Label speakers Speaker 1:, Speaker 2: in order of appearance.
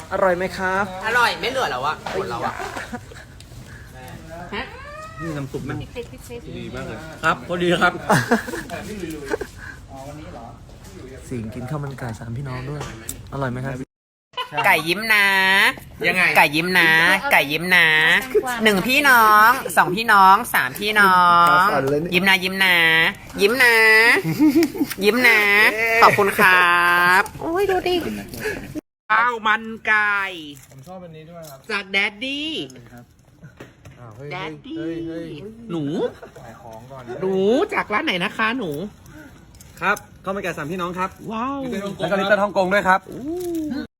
Speaker 1: อร่อยไหมครับ
Speaker 2: อร่อยไม่เหลือแล้วอะหมดแล้วอะฮะ
Speaker 1: นี่น้ำซุปมัน
Speaker 3: ดีมากเลย
Speaker 1: ครับพอดีครับสิงกินข้าวมันไก่3พี่น้องด้วย อร่อยไหมครับ
Speaker 2: ไก่ยิ้มนะ
Speaker 3: ยังไง
Speaker 2: ไก่ยิ้มนะ ไก่ยิ้มนะ1พี่น้อง2พี่น้อง3พี่น้อง ยิ้มนะยิ้มนะ ยิ้มนะ ยิ้มนะ ขอบคุณครับโอ้ยดูดิข้าวมันไก่
Speaker 3: ผมชอบอันนี้ด้วยครับ
Speaker 2: จากแดดดี้
Speaker 3: เฮ้ย
Speaker 2: แดดดี้
Speaker 3: เฮ้ย
Speaker 2: หนู
Speaker 3: ขายของก่อน
Speaker 2: หนูจากร้านไหนนะคะหนู
Speaker 1: ครับข้าวมันไก่3พี่น้องครับ
Speaker 2: ว้าว
Speaker 1: แล้วก็ลิตเติ้ลฮ่องกงด้วยครับ